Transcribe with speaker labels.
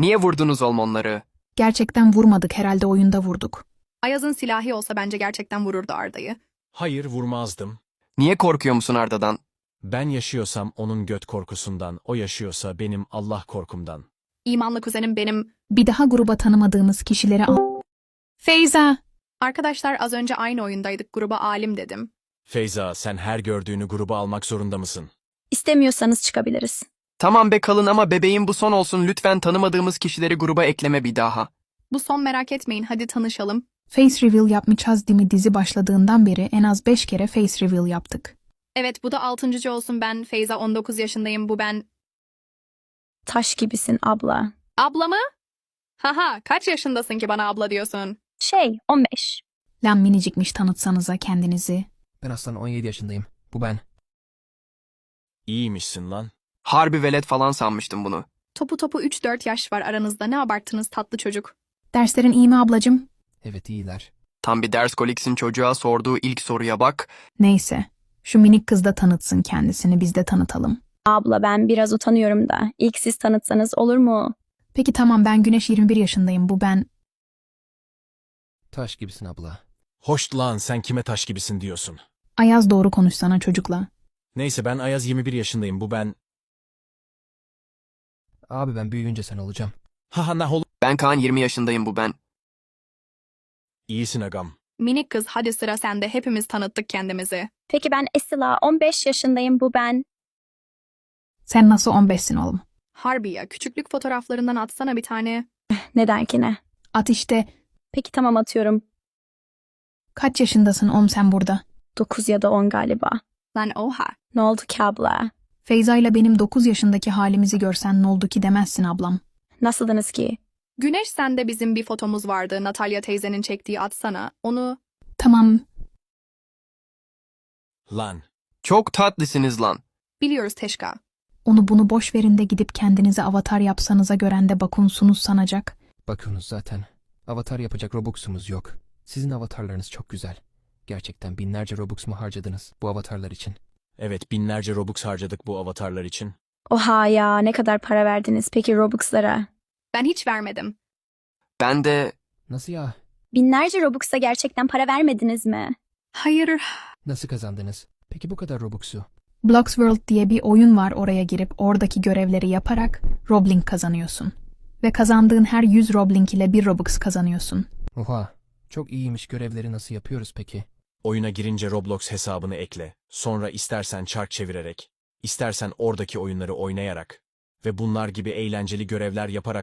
Speaker 1: Niye vurdunuz onları?
Speaker 2: Gerçekten vurmadık, herhalde oyunda vurduk.
Speaker 3: Ayaz'ın silahı olsa bence gerçekten vururdu Arda'yı.
Speaker 4: Hayır, vurmazdım.
Speaker 1: Niye korkuyor musun Arda'dan?
Speaker 4: Ben yaşıyorsam onun göt korkusundan, o yaşıyorsa benim Allah korkumdan.
Speaker 3: İmanlı kuzenim benim.
Speaker 2: Bir daha gruba tanımadığımız kişileri al. Feyza!
Speaker 3: Arkadaşlar az önce aynı oyundaydık, gruba alim dedim.
Speaker 4: Feyza, sen her gördüğünü gruba almak zorunda mısın?
Speaker 5: İstemiyorsanız çıkabiliriz.
Speaker 1: Tamam be kalın ama bebeğim bu son olsun, lütfen tanımadığımız kişileri gruba ekleme bir daha.
Speaker 3: Bu son, merak etmeyin, hadi tanışalım.
Speaker 2: Face reveal yapmayacağız değil mi? Dizi başladığından beri en az 5 kere face reveal yaptık.
Speaker 3: Evet, bu da 6. olsun. Ben Feyza, 19 yaşındayım, bu ben.
Speaker 5: Taş gibisin abla.
Speaker 3: Abla mı? Haha, kaç yaşındasın ki bana abla diyorsun?
Speaker 5: 15.
Speaker 2: Lan minicikmiş, tanıtsanıza kendinizi.
Speaker 6: Ben aslan 17 yaşındayım. Bu ben.
Speaker 4: İyiymişsin lan.
Speaker 1: Harbi velet falan sanmıştım bunu.
Speaker 3: Topu 3-4 yaş var aranızda, ne abarttınız tatlı çocuk.
Speaker 2: Derslerin iyi mi ablacım?
Speaker 6: Evet, iyiler.
Speaker 1: Tam bir ders koliksin, çocuğa sorduğu ilk soruya bak.
Speaker 2: Neyse. Şu minik kız da tanıtsın kendisini, biz de tanıtalım.
Speaker 5: Abla ben biraz utanıyorum da. İlk siz tanıtsanız olur mu?
Speaker 2: Peki tamam, ben Güneş, 21 yaşındayım, bu ben.
Speaker 6: Taş gibisin abla.
Speaker 4: Hoş lan, sen kime taş gibisin diyorsun?
Speaker 2: Ayaz, doğru konuşsana çocukla.
Speaker 4: Neyse, ben Ayaz, 21 yaşındayım, bu ben.
Speaker 6: Abi ben büyüyünce sen olacağım.
Speaker 4: Haha, nah oğlum.
Speaker 1: Ben Kaan, 20 yaşındayım, bu ben.
Speaker 4: İyisin agam.
Speaker 3: Minik kız, hadi sıra sende, hepimiz tanıttık kendimizi.
Speaker 5: Peki ben Esila 15 yaşındayım bu ben.
Speaker 2: Sen nasıl 15'sin oğlum?
Speaker 3: Harbi ya, küçüklük fotoğraflarından atsana bir tane.
Speaker 5: Neden ki ne?
Speaker 2: At işte.
Speaker 5: Peki tamam atıyorum.
Speaker 2: Kaç yaşındasın oğlum sen burada?
Speaker 5: 9 ya da 10 galiba.
Speaker 3: Lan oha.
Speaker 5: Ne oldu ki abla?
Speaker 2: Feyza ile benim 9 yaşındaki halimizi görsen ne oldu ki demezsin ablam.
Speaker 5: Nasıldınız ki?
Speaker 3: Güneş, sende bizim bir fotomuz vardı, Natalya teyzenin çektiği, atsana. Onu
Speaker 2: Tamam.
Speaker 4: Lan.
Speaker 1: Çok tatlısınız lan.
Speaker 3: biliyoruz Teşka.
Speaker 2: Onu bunu boş verin de gidip kendinize avatar yapsanıza, gören de bakunsunuz sanacak.
Speaker 6: Bakıyorsunuz zaten. Avatar yapacak Robux'umuz yok. Sizin avatarlarınız çok güzel. Gerçekten binlerce Robux mu harcadınız bu avatarlar için?
Speaker 4: Evet, binlerce Robux harcadık bu avatarlar için.
Speaker 5: Oha ya, ne kadar para verdiniz peki Robux'lara?
Speaker 3: Ben hiç vermedim.
Speaker 1: Ben de...
Speaker 6: Nasıl ya?
Speaker 5: Binlerce Robux'a gerçekten para vermediniz mi?
Speaker 3: Hayır.
Speaker 6: Nasıl kazandınız? Peki bu kadar Robux'u?
Speaker 2: Bloxworld diye bir oyun var, oraya girip oradaki görevleri yaparak Roblink kazanıyorsun. Ve kazandığın her 100 Roblink ile 1 Robux kazanıyorsun.
Speaker 6: Oha. Çok iyiymiş, görevleri nasıl yapıyoruz peki?
Speaker 4: Oyuna girince Roblox hesabını ekle. Sonra istersen çark çevirerek, istersen oradaki oyunları oynayarak ve bunlar gibi eğlenceli görevler yaparak